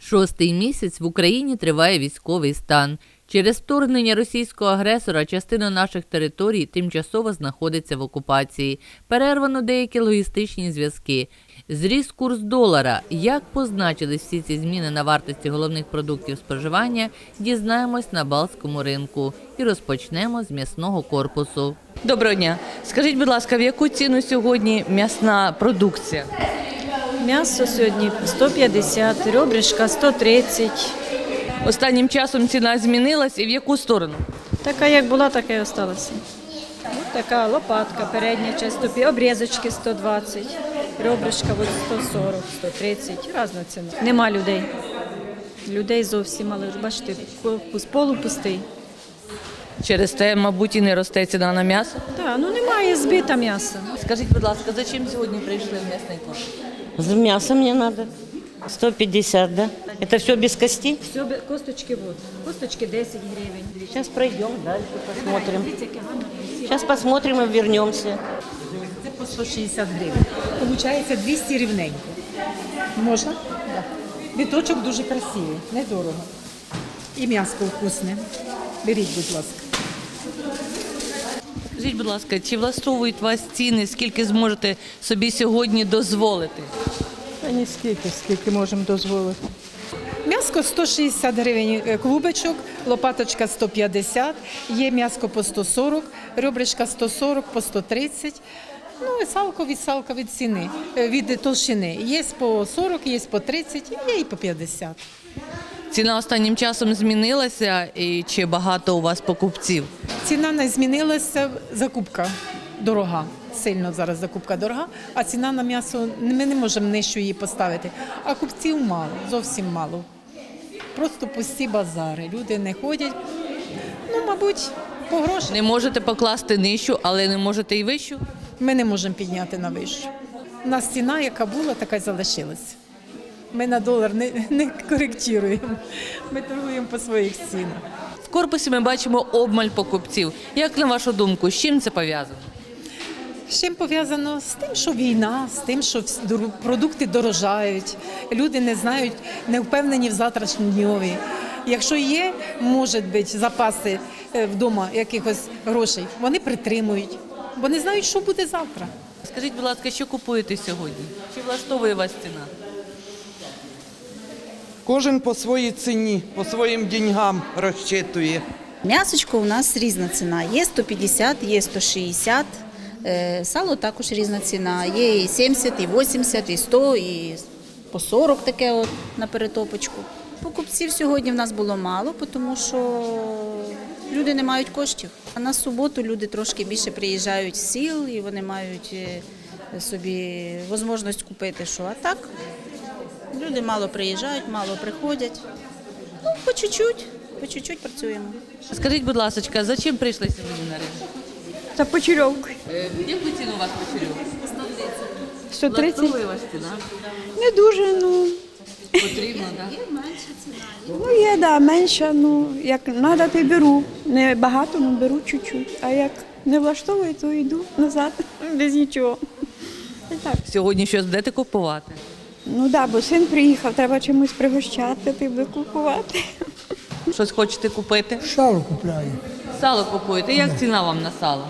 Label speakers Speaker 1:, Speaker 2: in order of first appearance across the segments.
Speaker 1: Шостий місяць в Україні триває військовий стан. Через вторгнення російського агресора частина наших територій тимчасово знаходиться в окупації. Перервано деякі логістичні зв'язки. Зріс курс долара. Як позначились всі ці зміни на вартості головних продуктів споживання, дізнаємось на Балтському ринку. І розпочнемо з м'ясного корпусу.
Speaker 2: Доброго дня. Скажіть, будь ласка, в яку ціну сьогодні м'ясна продукція?
Speaker 3: М'ясо сьогодні 150, ребрышка 130.
Speaker 2: Останнім часом ціна змінилась і в яку сторону?
Speaker 3: Така як була, така і залишилася. Ось така лопатка, передня частина, обрізочки 120, ребрышка 140, 130, різна ціна. Нема людей. Людей зовсім мало. Бачите, корпус полупустий.
Speaker 2: Через те, мабуть, і не росте ціна на м'ясо.
Speaker 3: Так, немає збита м'яса.
Speaker 2: Скажіть, будь ласка, за чим сьогодні прийшли в м'ясний корпус?
Speaker 4: За мясо мне надо. 150, да? Это все без костей?
Speaker 3: Все, косточки вот. Косточки 10 гривень.
Speaker 4: Сейчас пройдем дальше, посмотрим. Сейчас посмотрим и вернемся.
Speaker 5: Це по 160 гривень. Получається 200 рівненько. Можна? Так. Біточок дуже красивий, недорого. І м'ясо вкусне. Беріть, будь ласка.
Speaker 2: Скажіть, будь ласка, чи влаштовують вас ціни, скільки зможете собі сьогодні дозволити?
Speaker 6: Та ні скільки можемо дозволити.
Speaker 5: М'яско 160 гривень клубочок, лопаточка 150, є м'яско по 140, ребрышка 140, по 130. І салко від ціни, від толщини. Є по 40, є по 30, є і по 50.
Speaker 2: Ціна останнім часом змінилася і чи багато у вас покупців?
Speaker 5: Ціна не змінилася, закупка дорога. Сильно зараз закупка дорога, а ціна на м'ясо, ми не можемо нижче її поставити. А купців мало, зовсім мало. Просто пусті базари, люди не ходять, мабуть, по грошах.
Speaker 2: Не можете покласти нижчу, але не можете і вищу?
Speaker 5: Ми не можемо підняти на вищу. У нас ціна, яка була, така й залишилась. Ми на долар не коректуємо, ми торгуємо по своїх цінах.
Speaker 2: В корпусі ми бачимо обмаль покупців. Як на вашу думку, з чим це пов'язано?
Speaker 5: З чим пов'язано? З тим, що війна, з тим, що продукти дорожають, люди не знають, не впевнені в завтрашньому дневі. Якщо є, може бути, запаси вдома якихось грошей, вони притримують, бо не знають, що буде завтра.
Speaker 2: Скажіть, будь ласка, що купуєте сьогодні? Чи влаштовує вас ціна?
Speaker 7: Кожен по своїй ціні, по своїм деньгам розчитує.
Speaker 8: М'ясочко у нас різна ціна. Є 150, є 160. Сало також різна ціна. Є і 70, і 80, і 100, і по 40 таке от на перетопочку. Покупців сьогодні в нас було мало, тому що люди не мають коштів. А на суботу люди трошки більше приїжджають з сіл і вони мають собі можливість купити що. А так люди мало приїжджають, мало приходять. По чуть-чуть працюємо.
Speaker 2: Скажіть, будь ласка, за чим прийшли сьогодні на ринок?
Speaker 6: Та почерьовку.
Speaker 2: Яку ціну у вас почерьовка?
Speaker 6: 130.
Speaker 2: Влаштовує вас ціна?
Speaker 6: Не дуже,
Speaker 2: Потрібно, так?
Speaker 6: є, да, менше, як треба, то й беру. Не багато, беру чуть-чуть. А як не влаштовує, то йду назад, без нічого. І так.
Speaker 2: Сьогодні щось будете купувати?
Speaker 6: Бо син приїхав, треба чимось пригощати, ти буде купувати.
Speaker 2: Щось хочете купити?
Speaker 9: Сало купляю.
Speaker 2: Сало купуєте. Як ціна вам на сало?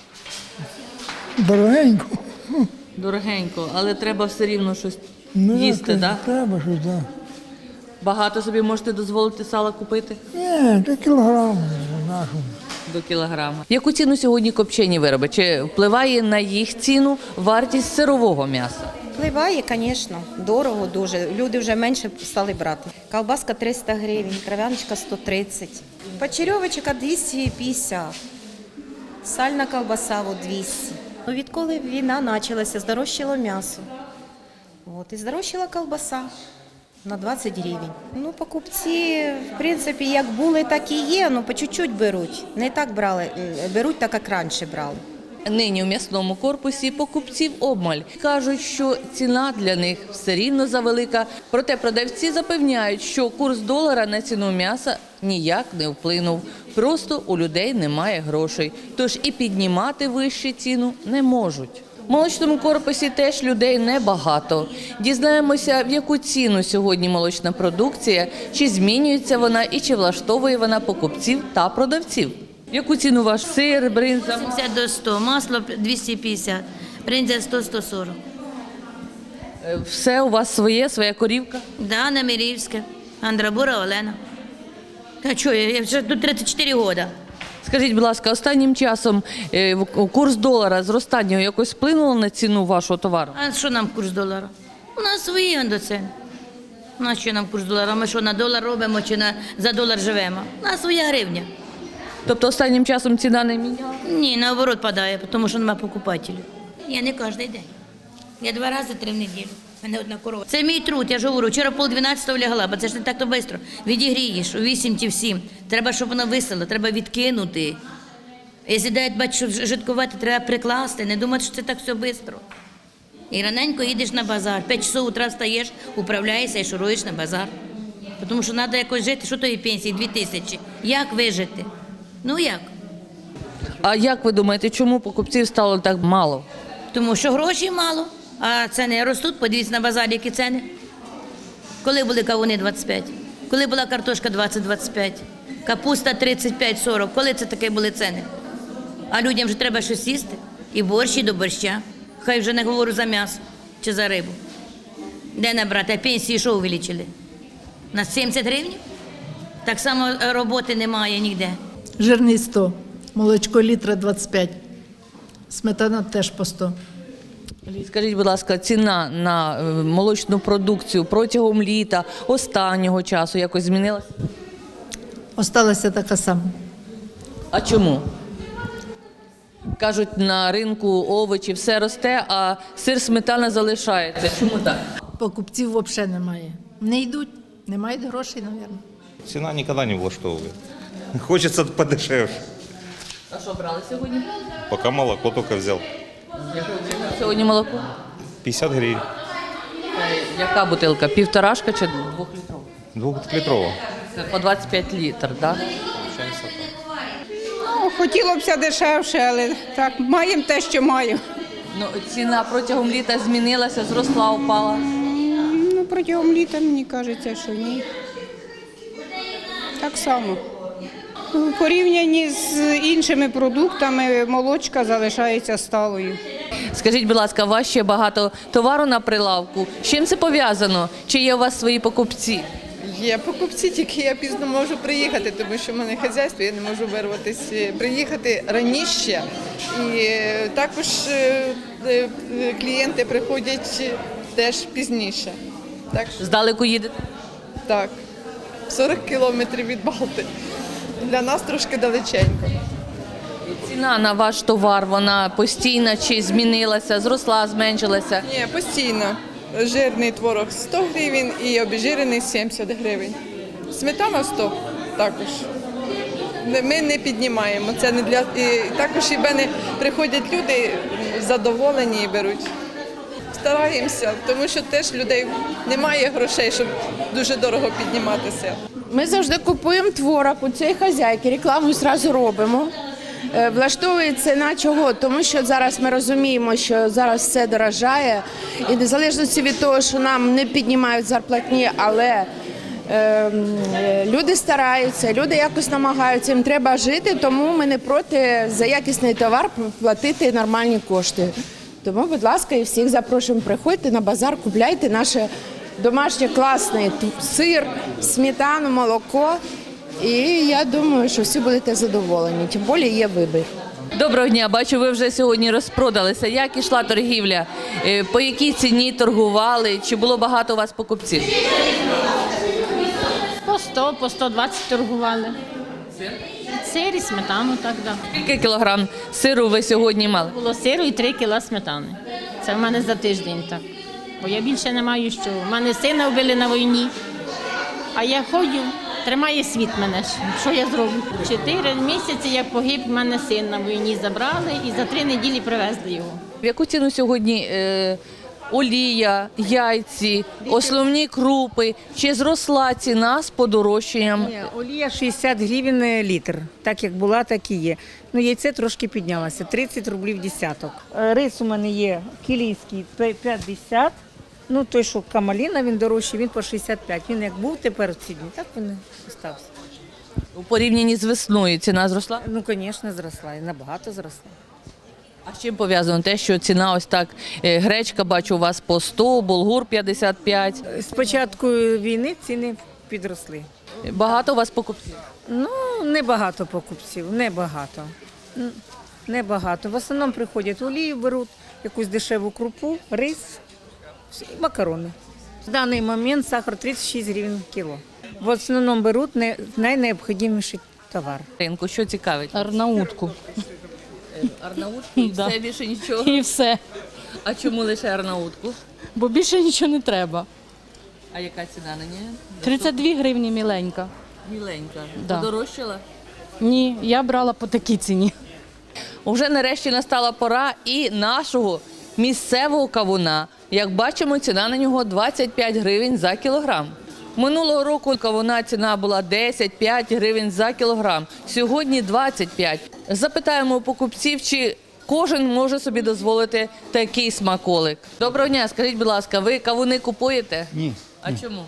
Speaker 9: Дорогенько.
Speaker 2: Дорогенько, але треба все рівно щось їсти,
Speaker 9: так?
Speaker 2: так?
Speaker 9: Треба щось, так.
Speaker 2: Багато собі можете дозволити сала купити?
Speaker 9: Ні, це кілограм нашому.
Speaker 2: До кілограма. Яку ціну сьогодні копчені вироби? Чи впливає на їх ціну вартість сирового м'яса?
Speaker 10: Впливає, звісно, дорого дуже. Люди вже менше стали брати. Ковбаска 300 гривень, кров'яночка 130. Почерьовочка 250. Сальна ковбаса 200. Відколи війна почалася, здорожчало м'ясо. І здорожчала ковбаса на 20 гривень. Покупці, в принципі, як були, так і є, по чуть-чуть беруть. Не так беруть так, як раніше брали.
Speaker 2: Нині в м'ясному корпусі покупців обмаль. Кажуть, що ціна для них все рівно завелика. Проте продавці запевняють, що курс долара на ціну м'яса ніяк не вплинув. Просто у людей немає грошей. Тож і піднімати вищу ціну не можуть. В молочному корпусі теж людей небагато. Дізнаємося, в яку ціну сьогодні молочна продукція, чи змінюється вона і чи влаштовує вона покупців та продавців. В яку ціну ваш сир, бринза?
Speaker 11: 70 до 100, масло 250, бринза 100-140.
Speaker 2: Все у вас своя корівка?
Speaker 11: Да, Немирівське, Андрабура Олена. А що, я вже тут 34 роки.
Speaker 2: Скажіть, будь ласка, останнім часом курс долара зростання якось вплинуло на ціну вашого товару?
Speaker 11: А що нам курс долара? У нас свої індоціни. У нас що нам курс долара? Ми що, на долар робимо чи за долар живемо? У нас своя гривня.
Speaker 2: Тобто останнім часом ціна не міняла?
Speaker 11: Ні, наоборот падає, тому що немає покупателів. Я не кожен день. Я 2 рази 3 в неділю. У мене одна корова. Це мій труд, я ж говорю. Вчора 11:30 лягла, бо це ж не так-то швидко. Відігрієш у 8 чи в 7. Треба, щоб воно висело, треба відкинути. Якщо дають, бачу, жидкувати, треба прикласти, не думати, що це так все швидко. І раненько їдеш на базар. 5 часов утра встаєш, управляєшся і шуруєш на базар. Тому що треба якось жити, що тої пенсії 2000. Як вижити? Ну як?
Speaker 2: А як ви думаєте, чому покупців стало так мало?
Speaker 11: Тому що грошей мало, а ціни ростуть. Подивіться на базарі, які ціни. Коли були кавуни 25? Коли була картошка 20-25? Капуста 35-40. Коли це таке були ціни? А людям вже треба щось їсти. І борщ, і до борща. Хай вже не говорю за м'ясо чи за рибу. Де набрати? А пенсії що увеличили? На 70 гривень? Так само роботи немає ніде.
Speaker 12: Жирний 100, молочко літра 25, сметана теж по 100.
Speaker 2: Скажіть, будь ласка, ціна на молочну продукцію протягом літа, останнього часу якось змінилася?
Speaker 12: Осталася така сама.
Speaker 2: А чому? Кажуть, на ринку овочі все росте, а сир, сметана залишається. Чому так?
Speaker 12: Покупців взагалі немає. Не йдуть, не мають грошей, мабуть.
Speaker 13: Ціна ніколи не влаштовує. Хочеться подешевше.
Speaker 2: А що брали сьогодні?
Speaker 13: Поки молоко тільки взяв.
Speaker 2: Сьогодні молоко?
Speaker 13: 50 гривень.
Speaker 2: Яка бутилка? 1,5 чи 2-літрова?
Speaker 13: 2-літрова.
Speaker 2: Це по 25 літр, так?
Speaker 5: Ну, хотілося б дешевше, але так, маємо те, що маємо.
Speaker 2: Ну, ціна протягом літа змінилася, зросла, упала.
Speaker 5: Ну, протягом літа, мені кажеться, що ні. Так само. У порівнянні з іншими продуктами молочка залишається сталою.
Speaker 2: Скажіть, будь ласка, у вас ще багато товару на прилавку. З чим це пов'язано? Чи є у вас свої покупці?
Speaker 7: Є покупці, тільки я пізно можу приїхати, тому що в мене хазяйство, я не можу вирватися, приїхати раніше. І також клієнти приходять теж пізніше. Так,
Speaker 2: Здалеку їдете?
Speaker 7: так, 40 кілометрів від Балти. Для нас трошки далеченько.
Speaker 2: Ціна на ваш товар, вона постійна чи змінилася, зросла, зменшилася?
Speaker 7: Ні, постійно. Жирний творог 100 гривень і обезжирений 70 гривень. Сметана 100 також. Ми не піднімаємо. Це не для... І також і в мене приходять люди задоволені і беруть. Стараємося, тому що теж людей немає грошей, щоб дуже дорого підніматися.
Speaker 14: Ми завжди купуємо творог у цієї хазяйки, рекламу одразу робимо. Влаштовує ціна чого? Тому що зараз ми розуміємо, що зараз все дорожає. І незалежно від того, що нам не піднімають зарплатні, але люди стараються, люди якось намагаються, їм треба жити, тому ми не проти за якісний товар платити нормальні кошти. Тому, будь ласка, і всіх запрошуємо, приходьте на базар, купляйте наше домашнє класне сир, сметану, молоко. І я думаю, що всі будете задоволені, тим більше є вибір.
Speaker 2: Доброго дня, бачу, ви вже сьогодні розпродалися. Як ішла торгівля? По якій ціні торгували? Чи було багато у вас покупців?
Speaker 3: По 100, по 120 торгували. Сир і сметану, так, да.
Speaker 2: Скільки кілограм сиру ви сьогодні мали?
Speaker 3: Було сиру і 3 кіла сметани. Це в мене за тиждень так. Бо я більше не маю що. У мене сина вбили на війні, а я ходжу, тримає світ мене. Що я зроблю? 4 місяці, як погиб, в мене син на війні забрали і за 3 неділі привезли його.
Speaker 2: В яку ціну сьогодні олія, яйці, основні крупи. Чи зросла ціна з подорожчанням?
Speaker 3: Ні, олія 60 гривень літр. Так як була, так і є. Ну, яйце трошки піднялося, 30 рублів десяток. Рис у мене є кілійський 50. Ну, той, що камаліна, він дорожчий, він по 65. Він як був тепер в ці дні, так він і остався.
Speaker 2: У порівнянні з весною ціна зросла?
Speaker 3: Ну, звісно, зросла, і набагато зросла.
Speaker 2: А з чим пов'язано те, що ціна ось так, гречка, бачу, у вас по 100, булгур 55.
Speaker 3: З початку війни ціни підросли.
Speaker 2: Багато у вас покупців?
Speaker 3: Ну, небагато покупців, небагато. Небагато. В основному приходять олію, беруть якусь дешеву крупу, рис і макарони. В даний момент сахар 36 гривень кіло. В основному беруть найнеобхідніший товар.
Speaker 2: Ринку, що цікавить?
Speaker 15: Арнаутку.
Speaker 2: Арнаутку і
Speaker 15: Да.
Speaker 2: все, більше нічого?
Speaker 15: І все.
Speaker 2: А чому лише арнаутку?
Speaker 15: Бо більше нічого не треба.
Speaker 2: А яка ціна на неї?
Speaker 15: 32 гривні міленька.
Speaker 2: Міленька.
Speaker 15: Да.
Speaker 2: Подорожчала?
Speaker 15: Ні, я брала по такій ціні.
Speaker 2: Уже нарешті настала пора і нашого місцевого кавуна. Як бачимо, ціна на нього 25 гривень за кілограм. Минулого року кавуна ціна була 10-5 гривень за кілограм. Сьогодні 25. Запитаємо у покупців, чи кожен може собі дозволити такий смаколик. Доброго дня, скажіть, будь ласка, ви кавуни купуєте?
Speaker 9: Ні.
Speaker 2: А чому?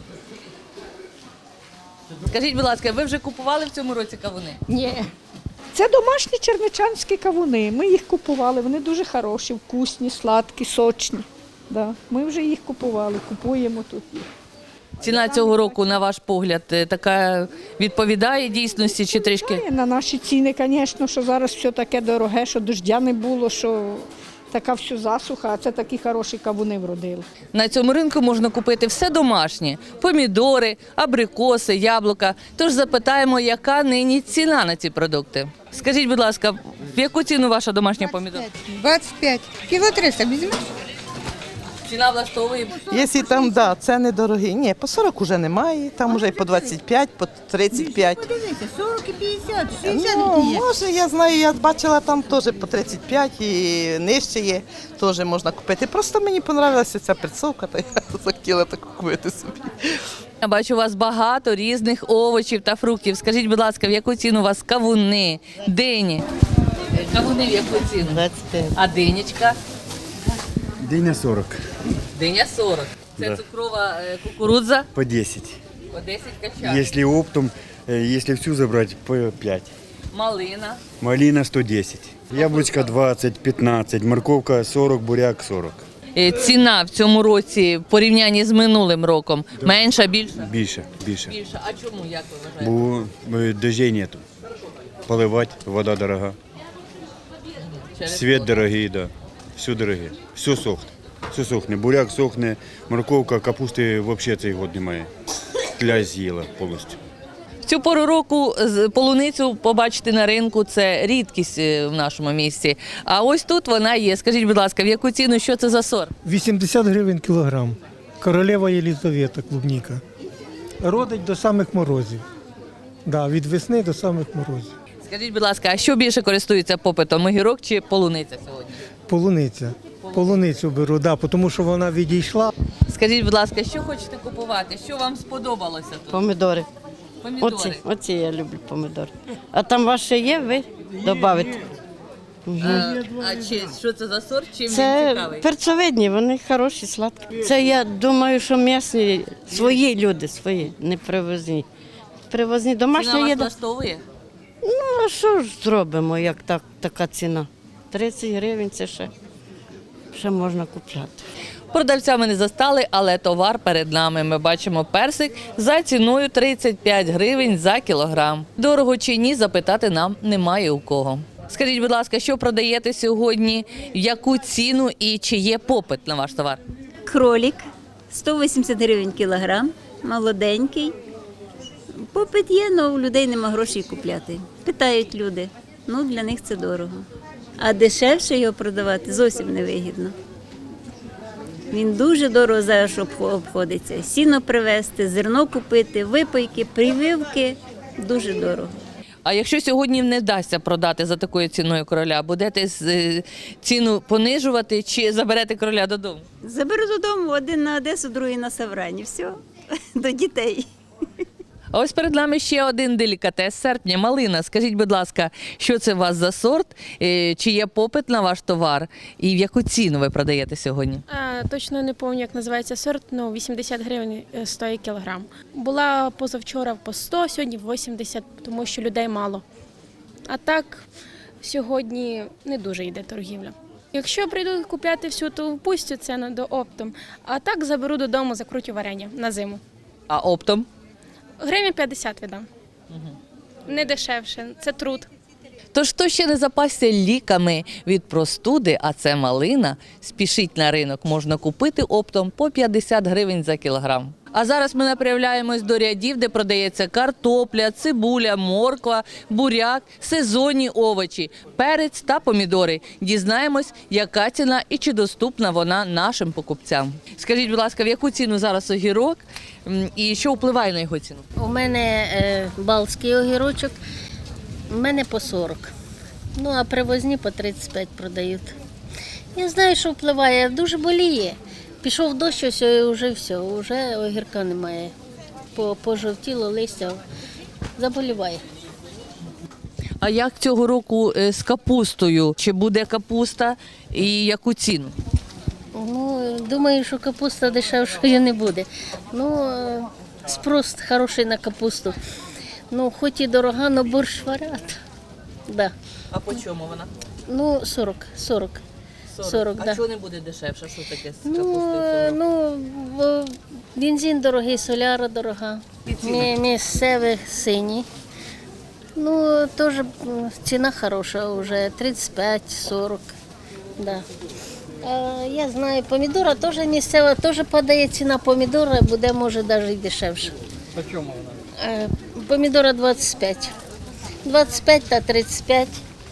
Speaker 2: Скажіть, будь ласка, ви вже купували в цьому році кавуни?
Speaker 6: Ні. Це домашні черничанські кавуни. Ми їх купували. Вони дуже хороші, вкусні, сладкі, сочні. Да. Ми вже їх купували, купуємо тут їх.
Speaker 2: Ціна цього року, на ваш погляд, така відповідає дійсності чи трішки?
Speaker 6: На наші ціни, звісно, що зараз все таке дороге, що дождя не було, що така всю засуха, а це такі хороші кавуни вродили.
Speaker 2: На цьому ринку можна купити все домашнє – помідори, абрикоси, яблука. Тож запитаємо, яка нині ціна на ці продукти. Скажіть, будь ласка, в яку ціну ваша домашня помідора?
Speaker 16: 25. Кіло 300 візьмеш?
Speaker 2: Ціна влаштовує?
Speaker 17: Якщо там, да, це недорогі. Ні, по 40 вже немає, там вже і по 25, по 35.
Speaker 16: Подивися, 40 і 50, 60
Speaker 17: Ну,
Speaker 16: є.
Speaker 17: може, я знаю, я бачила там теж по 35 і нижче є, теж можна купити. Просто мені подобалася ця прицовка, то я захотіла таку купити собі.
Speaker 2: Я бачу, у вас багато різних овочів та фруктів. Скажіть, будь ласка, в яку ціну у вас кавуни, дині? Кавуни в яку ціну?
Speaker 4: 25.
Speaker 2: А динічка?
Speaker 9: Диня 40.
Speaker 2: Диня 40. Це
Speaker 9: Да.
Speaker 2: цукрова кукурудза?
Speaker 9: По 10.
Speaker 2: По 10 качан.
Speaker 9: Если оптом, если всю забрать, по 5.
Speaker 2: Малина.
Speaker 9: Малина 110. Яблочко 20, 15, морковка 40, буряк 40.
Speaker 2: Ціна в цьому році в порівнянні з минулим роком менша, більша?
Speaker 9: Більше, більше.
Speaker 2: Більша. А чому, як ви вважаєте?
Speaker 9: Бо дождей нету. Поливать, вода дорога. Свет дорогий, да. Все дороге. Все сохне. Все сохне. Буряк сохне, морковка, капусти взагалі цей год немає. Тля з'їла повністю.
Speaker 2: В цю пору року полуницю побачити на ринку – це рідкість в нашому місті. А ось тут вона є. Скажіть, будь ласка, в яку ціну, що це за сорт?
Speaker 18: 80 гривень кілограм. Королева Єлізавета, клубніка. Родить до самих морозів. Да, від весни до самих морозів.
Speaker 2: Скажіть, будь ласка, а що більше користується попитом, огірок чи полуниця сьогодні?
Speaker 18: Полуниця. Полуницю беру, да, тому що вона відійшла.
Speaker 2: Скажіть, будь ласка, що хочете купувати? Що вам сподобалося тут?
Speaker 4: Помідори.
Speaker 2: Помідори.
Speaker 4: Оці я люблю помідори. А там ваше є, ви додавите?
Speaker 2: А що це за сорт? Чим він
Speaker 4: Це
Speaker 2: цікавий?
Speaker 4: перцовидні, вони хороші, сладкі. Це я думаю, що м'ясні, свої люди, свої, не привозні. Привозні
Speaker 2: Ціна
Speaker 4: домашня
Speaker 2: вас
Speaker 4: їда.
Speaker 2: влаштовує?
Speaker 4: Ну, а що ж зробимо, як така ціна? 30 гривень це ще можна купляти.
Speaker 2: Продавця ми не застали, але товар перед нами. Ми бачимо персик за ціною 35 гривень за кілограм. Дорого чи ні, запитати нам немає у кого. Скажіть, будь ласка, що продаєте сьогодні, в яку ціну і чи є попит на ваш товар?
Speaker 19: Кролик 180 гривень кілограм, молоденький. Попит є, але у людей нема грошей купляти. Питають люди, ну для них це дорого. А дешевше його продавати зовсім невигідно. Він дуже дорого зараз обходиться. Сіно привезти, зерно купити, випайки, прививки – дуже дорого.
Speaker 2: А якщо сьогодні не вдасться продати за такою ціною короля, будете ціну понижувати чи заберете короля додому?
Speaker 19: Заберу додому, один на Одесу, другий на Саврані. Все, до дітей.
Speaker 2: А ось перед нами ще один делікатес серпня – малина. Скажіть, будь ласка, що це у вас за сорт, чи є попит на ваш товар і в яку ціну ви продаєте сьогодні?
Speaker 20: Точно не пам'ятаю, як називається сорт, 80 гривень стоїть кілограм. Була позавчора по 100, сьогодні 80, тому що людей мало. А так, сьогодні не дуже йде торгівля. Якщо прийду купляти всю, то впустю це до оптом, а так заберу додому, закрутю варення на зиму.
Speaker 2: А оптом?
Speaker 20: Гривень 50 віддам. Не дешевше, це труд.
Speaker 2: Тож, хто ще не запасся ліками від простуди, а це малина, спішіть на ринок, можна купити оптом по 50 гривень за кілограм. А зараз ми направляємось до рядів, де продається картопля, цибуля, морква, буряк, сезонні овочі, перець та помідори. Дізнаємось, яка ціна і чи доступна вона нашим покупцям. Скажіть, будь ласка, в яку ціну зараз огірок і що впливає на його ціну?
Speaker 21: У мене балтський огірочок, у мене по 40. Ну, а привозні по 35 продають. Я знаю, що впливає, дуже боліє. Пішов дощ, вже все, вже огірка немає. Пожовтіло листя, заболіває.
Speaker 2: А як цього року з капустою? Чи буде капуста і яку ціну?
Speaker 21: Ну, думаю, що капуста дешевшою не буде. Ну, спрос хороший на капусту. Ну, хоч і дорога, але борщ варять. Да.
Speaker 2: А по чому вона?
Speaker 21: Ну, 40. А да.
Speaker 2: чого не буде дешевше? Що таке з
Speaker 21: Ну, бензин дорогий, соляра дорога. Місцеві сині. Ну, теж ціна хороша вже, 35-40. Да. Я знаю, помідора теж місцева, теж падає ціна помідора, буде, може, навіть і дешевше.
Speaker 22: По чому вона?
Speaker 21: Помідора 25. 25 та 35.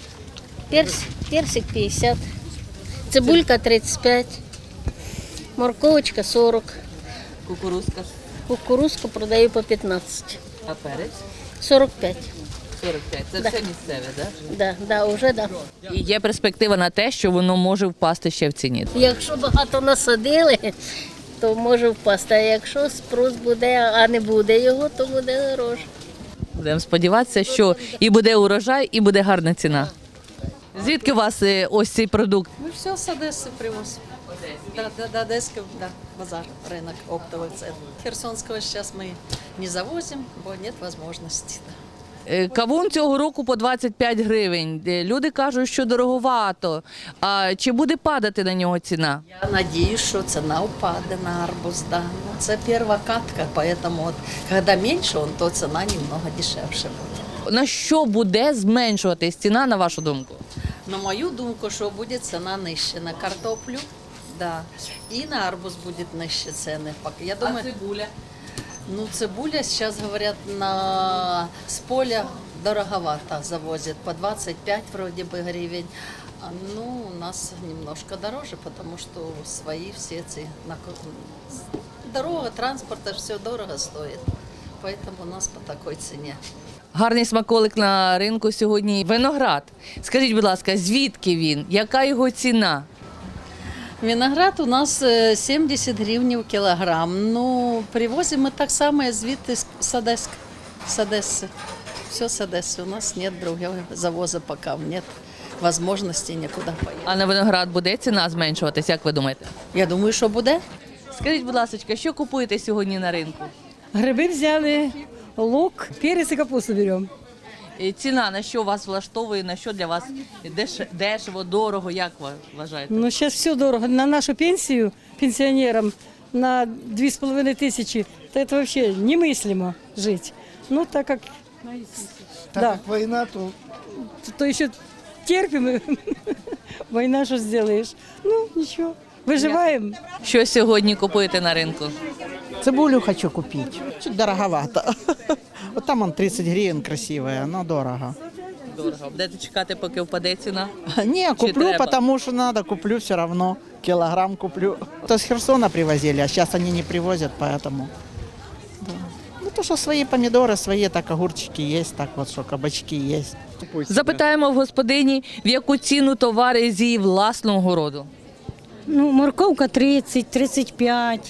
Speaker 21: Персик 50. Цибулька 35. Морковочка 40.
Speaker 2: Кукурузка?
Speaker 21: Кукурузку продаю по 15.
Speaker 2: А перець?
Speaker 21: 45.
Speaker 2: 45. Це все місцеве, так?
Speaker 21: Да, вже да.
Speaker 2: І є перспектива на те, що воно може впасти ще в ціні?
Speaker 21: Якщо багато насадили, то може впасти. А якщо спрос буде, а не буде його, то буде дорожче.
Speaker 2: Будемо сподіватися, що і буде урожай, і буде гарна ціна. Звідки у вас ось цей продукт?
Speaker 23: Мы все с Одессы привозим. До Одесского, да, базар, рынок, оптовый центр. Херсонского сейчас мы не завозим, бо нет возможности.
Speaker 2: Кавун цього року по 25 гривень. Люди кажуть, що дороговато. А чи буде падати на нього ціна?
Speaker 23: Я надеюсь, что цена упадет на арбуз, да. Но это первая катка, поэтому вот, когда меньше он, то цена немного дешевше будет.
Speaker 2: На що буде зменшуватись ціна, на вашу думку?
Speaker 23: На мою думку, що буде ціна нижче на картоплю, да, і на арбуз буде нижче ціни. Я думаю,
Speaker 2: А цибуля?
Speaker 23: Ну, цибуля сейчас, говорят, с поля дороговато завозят, по 25 вроде бы гривен. Ну, у нас немножко дороже, потому что свои все эти... Дорога, транспорт, все дорого стоит. Поэтому у нас по такой цене.
Speaker 2: Гарний смаколик на ринку сьогодні – виноград. Скажіть, будь ласка, звідки він? Яка його ціна?
Speaker 23: Виноград у нас 70 гривень в кілограм. Ну, привозимо ми так само звідти з Одеси. Все з Одеси. У нас нет другого завозу поки, нет можливості нікуди поїхати.
Speaker 2: А на виноград буде ціна зменшуватись, як ви думаєте?
Speaker 23: Я думаю, що буде.
Speaker 2: Скажіть, будь ласка, що купуєте сьогодні на ринку?
Speaker 24: Гриби взяли, лук, перець і капусту беремо.
Speaker 2: Ціна на що вас влаштовує, на що для вас дешево, дорого, як ви вважаєте?
Speaker 24: Ну, зараз все дорого. На нашу пенсію пенсіонерам на 2,5 тисячі, то це взагалі немислимо жити. Ну, так як
Speaker 18: війна,
Speaker 24: то ще терпимо. Війна, що зробиш? Ну, нічого, виживаємо.
Speaker 2: Що сьогодні купуєте на ринку?
Speaker 25: Цибулю хочу купить. Чуть дороговато. Вот там он 30 гривен красивая, но дорого.
Speaker 2: Дорого. Будете чекати, поки впаде ціна?
Speaker 25: Не, куплю, потому что надо, куплю все равно. Килограмм куплю. То с Херсона привозили, а сейчас они не привозят, поэтому. Да. Ну, то, що свої помідори, свої так огурчики є, так от, що кабачки є.
Speaker 2: Запитаємо в господині, в яку ціну товари з її власного городу.
Speaker 21: Ну, морковка 30, 35.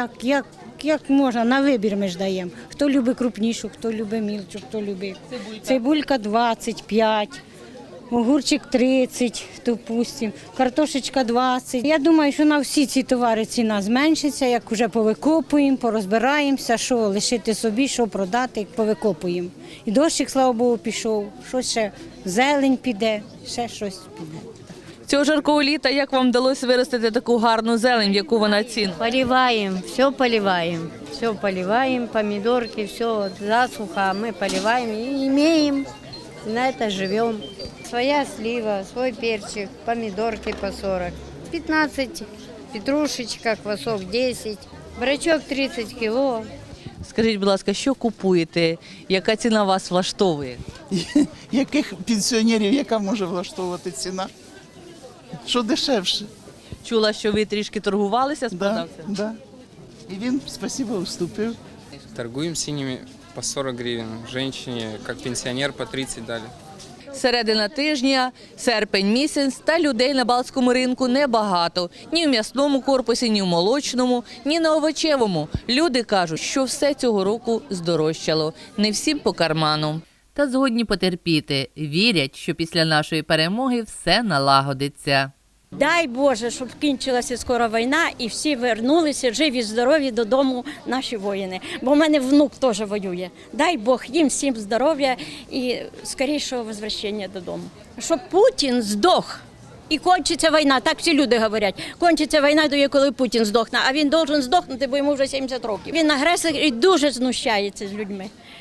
Speaker 21: Як можна, на вибір ми ж даємо. Хто любить крупнішу, хто любить мілчу, хто любить. Цибулька 25, огурчик 30, допустим, картошечка 20. Я думаю, що на всі ці товари ціна зменшиться, як вже повикопуємо, порозбираємося, що лишити собі, що продати, повикопуємо. І дощик, слава Богу, пішов, щось ще, зелень піде, ще щось піде.
Speaker 2: Цього жаркого літа як вам вдалося виростити таку гарну зелень, в яку вона ціна?
Speaker 21: Поливаем, все поливаем, помидорки, все засуха, мы поливаем и имеем, на это живем. Своя слива, свой перчик, помидорки по 40, 15, петрушечка, квасок 10, брачок 30 кило.
Speaker 2: Скажіть, будь ласка, що купуєте? Яка ціна вас влаштовує?
Speaker 1: Яких пенсіонерів, яка може влаштовувати ціна? Що дешевше?
Speaker 2: Чула, що ви трішки торгувалися з продавцем?
Speaker 1: Да. І він, спасибо, уступив.
Speaker 8: Торгуем синими по 40 гривен. Женщине, как пенсионер, по 30 дали.
Speaker 2: Середина тижня, серпень місяць, та людей на Балтському ринку небагато. Ні в м'ясному корпусі, ні в молочному, ні на овочевому. Люди кажуть, що все цього року здорожчало. Не всім по карману. Та згодні потерпіти. Вірять, що після нашої перемоги все налагодиться.
Speaker 21: Дай Боже, щоб кінчилася скоро війна і всі вернулися живі, здорові додому наші воїни. Бо в мене внук теж воює. Дай Бог їм всім здоров'я і скорішого возвращення додому. Щоб Путін здох. І кончиться війна, так всі люди говорять. Кончиться війна, тоді, коли Путін здохне, а він має здохнути, бо йому вже 70 років. Він агресор і дуже знущається з людьми.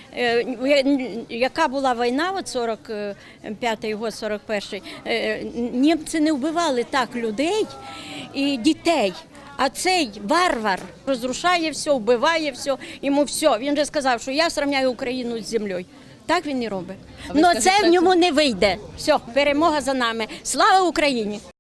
Speaker 21: Яка була війна, от 45-й год, 41-й, німці не вбивали так людей і дітей. А цей варвар розрушає все, вбиває все, йому все. Він вже сказав, що я зрівняю Україну з землею. Так він і робить. Але це в ньому не вийде. Все, перемога за нами. Слава Україні!